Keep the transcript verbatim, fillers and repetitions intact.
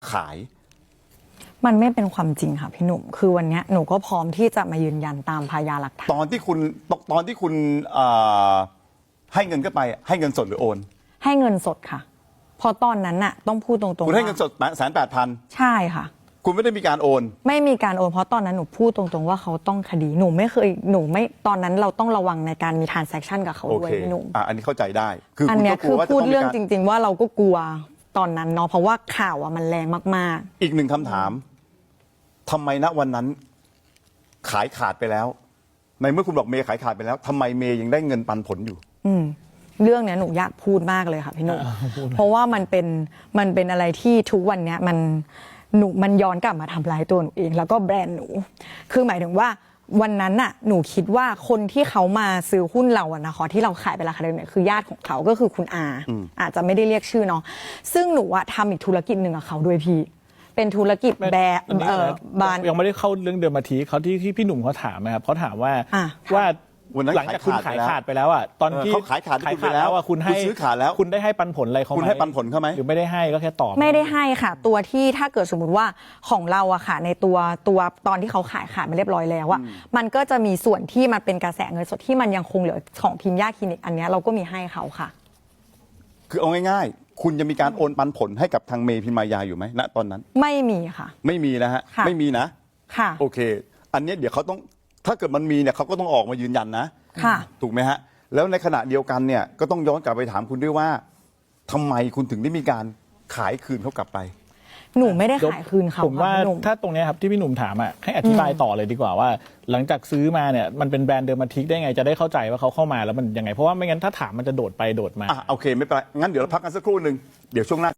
ขายมันไม่เป็นความจริงค่ะพี่หนุ่มคือวันนี้หนูก็พร้อมที่จะมายืนยันตามพยานหลักฐานตอนที่คุณตอนที่คุณให้เงินก็ไปให้เงินสดหรือโอนให้เงินสดค่ะพอตอนนั้นน่ะต้องพูดตรงๆคุณให้เงินสดแสนแปดพันใช่ค่ะคุณไม่ได้มีการโอนไม่มีการโอนเพราะตอนนั้นหนูพูดตรงๆว่าเขาต้องคดีหนูไม่เคยหนูไม่ตอนนั้นเราต้องระวังในการมี transaction กับเขาด้วยพี่หนุ่มอ่ะอันนี้เข้าใจได้คืออันนี้คือพูดเรื่องจริงๆว่าเราก็กลัวตอนนั้นเนาะเพราะว่าข่าวอ่ะมันแรงมากๆอีกหนึ่งคำถามทำไมณวันนั้นขายขาดไปแล้วในเมื่อคุณบอกเมย์ขายขาดไปแล้วทำไมเมย์ยังได้เงินปันผลอยู่อืมเรื่องเนี้ยหนูอยากพูดมากเลยค่ะพี่หนุ่มเพราะว่ามันเป็นมันเป็นอะไรที่ทุกวันเนี้ยมันหนูมันย้อนกลับมาทำร้ายตัวหนูเองแล้วก็แบรนด์หนูคือหมายถึงว่าวันนั้นน่ะหนูคิดว่าคนที่เขามาซื้อหุ้นเราอะนะคะที่เราขายไปราคาเดิมเนี่ยคือญาติของเขาก็คือคุณอาอาจจะไม่ได้เรียกชื่อเนาะซึ่งหนูอะทำอีกธุรกิจหนึ่งกับเขาด้วยพี่เป็นธุรกิจแบรนด์เออบานยังไม่ได้เข้าเรื่องเดิมมาทีเขาที่ที่พี่หนุ่มเขาถามนะครับเขาถามว่าว่าหลังจากคุณขายขาดไปแล้วอ่ะตอนที่เขาขายขาดขายขาดแล้วอ่ะคุณให้ซื้อขาดแล้วคุณได้ให้ปันผลอะไรเขาไหมคุณให้ปันผลเขาไหมหรือไม่ได้ให้ก็แค่ตอบไม่ได้ให้ค่ะตัวที่ถ้าเกิดสมมติว่าของเราอะค่ะในตัวตัวตอนที่เขาขายขาดมาเรียบร้อยแล้วอะมันก็จะมีส่วนที่มันเป็นกระแสเงินสดที่มันยังคงเหลือของพิมพ์ย่าคลินิกอันนี้เราก็มีให้เขาค่ะคือเอาง่ายๆคุณจะมีการโอนปันผลให้กับทางเมย์พิมายาอยู่ไหมณตอนนั้นไม่มีค่ะไม่มีนะฮะไม่มีนะค่ะโอเคอันนี้เดี๋ยวเขาต้องถ้าเกิดมันมีเนี่ยเขาก็ต้องออกมายืนยันนะค่ะถูกไหมฮะแล้วในขณะเดียวกันเนี่ยก็ต้องย้อนกลับไปถามคุณด้วยว่าทำไมคุณถึงได้มีการขายคืนเขากลับไปหนูไม่ได้ขายคืนเขาผมว่าถ้าตรงนี้ครับที่พี่หนุ่มถามอ่ะให้อธิบายต่อเลยดีกว่าว่าหลังจากซื้อมาเนี่ยมันเป็นแบรนด์เดอร์มาทิกได้ไงจะได้เข้าใจว่าเขาเข้ามาแล้วมันยังไงเพราะว่าไม่งั้นถ้าถามมันจะโดดไปโดดมาอ่ะโอเคไม่เป็นไรงั้นเดี๋ยวเราพักกันสักครู่หนึ่งเดี๋ยวช่วงหน้า